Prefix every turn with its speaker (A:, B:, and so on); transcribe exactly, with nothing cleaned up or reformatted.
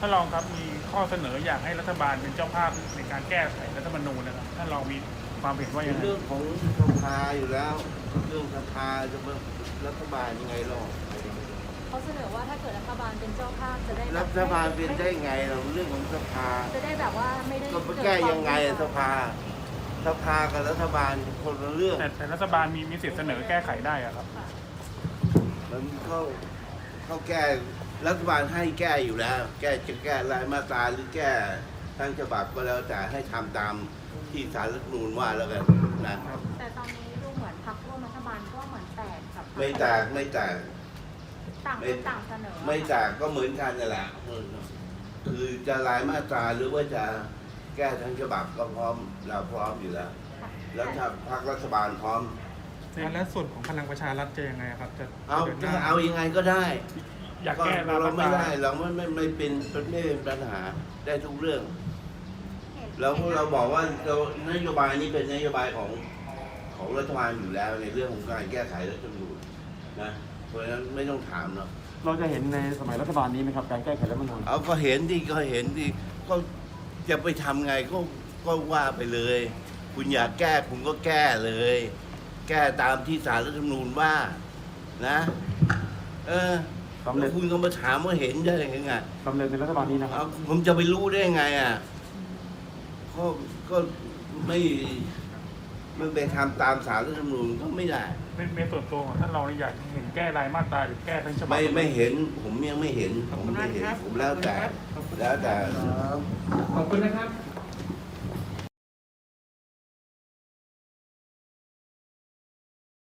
A: ท่านรองครับมีข้อเสนออยากให้รัฐบาลเป็นเจ้าภาพในการแก้ไขรัฐธรรมนูญนะครับท่านรองมีความเห็นว่า
B: เป็
A: ยัง
B: น
A: ไง
B: เรื่องของสภาอยู่แล้ว เรื่องสภาจะมารัฐบาลยังไงหรอก
C: เขาเสนอว่าถ้าเกิดรัฐบาลเป็นเจ้าภาพจะได้แบบ
B: รัฐบาลเป็นได้ไงเราเรื่องของสภา
C: จะได้แบบว่าไม่ได้
B: ก็ไปแก้ยังไงสภา สภากับรัฐบาลคนละเรื่อง
A: แต่แต่รัฐบาลมีมีสิทธิเสนอแก้ไขได้อะครับ
C: ค่ะ
B: มันเขาเขาแก้รัฐบาลให้แก้อยู่แล้ว แก้จะแก้รายมาตราหรือแก้ทั้งฉบับก็แล้วแต่ให้ทำตามที่ศาลรัฐธรรมนูญว่าแล้วกันนะ
C: แต่ตอนนี้ดูเหมือนพรรคร่วมรัฐบาลก็เหมือนแตกกับพรรค
B: ไม่แตกไม่แตก
C: ต่างคนต่างเสนอ
B: ไม่แตกก็เหมือนกันนั่นแหละคือจะรายมาตราหรือว่าจะแก้ทั้งฉบับก็พร้อมเราพร้อมอยู่แล้ว
C: ค่ะ
B: แล้วถ้าพรรครัฐบาลพร้อม
A: และส่วนของพลังประชารัฐจะยังไงครับจะ
B: เอา
A: จะดินห
B: ถ้า
A: น้
B: เอายังไงก็ได้
A: อยาก
B: ก็
A: แก้ราย
B: เรา
A: มาต
B: ไม่
A: รา
B: ได้เราไม่ไม่ไม่เป็นไม่เป็นปัญหาได้ทุกเรื่อง แล้วเราบอกว่าเรานโยบายนี้เป็นนโยบายของของรัฐบาลอยู่แล้วในเรื่องของการแก้ไขรัฐธรรมนูญนะเพราะฉะนั้นไม่ต้องถามเนาะ
D: เราจะเห็นในสมัยรัฐบาลนี้ไหมครับการแก้ไขรัฐธรรมนูญ
B: เอาก็เห็นดิก็เห็นดิก็จะไปทำไงก็ก็ว่าไปเลย คุณอยากแก้คุณก็แก้เลย แก้ตามที่ศาลรัฐธรรมนูญว่านะเออ
D: สำเร็
B: แล้
D: จ
B: วคุณก็มาถามว่าเห็นได้ยังไง
D: สำเร็จในรัฐบาลนี้นะครั
B: เอา
D: บ
B: ผมจะไปรู้ได้ไงอ่ะก็ก็ไม่ไม่ไปทำตามศาลรัฐธรรมนูญก็ไม่ได้
A: ในในส่วนตัวของท่านรองอยากเห็นแก้รายมาตราหรือแก้ทั้งฉบับ
B: ไม่ไม่เห็น ผมยังไม่เห็นผมไม่เห็นผมแล้วแต่แล้วแต่
E: ขอบคุณนะครับ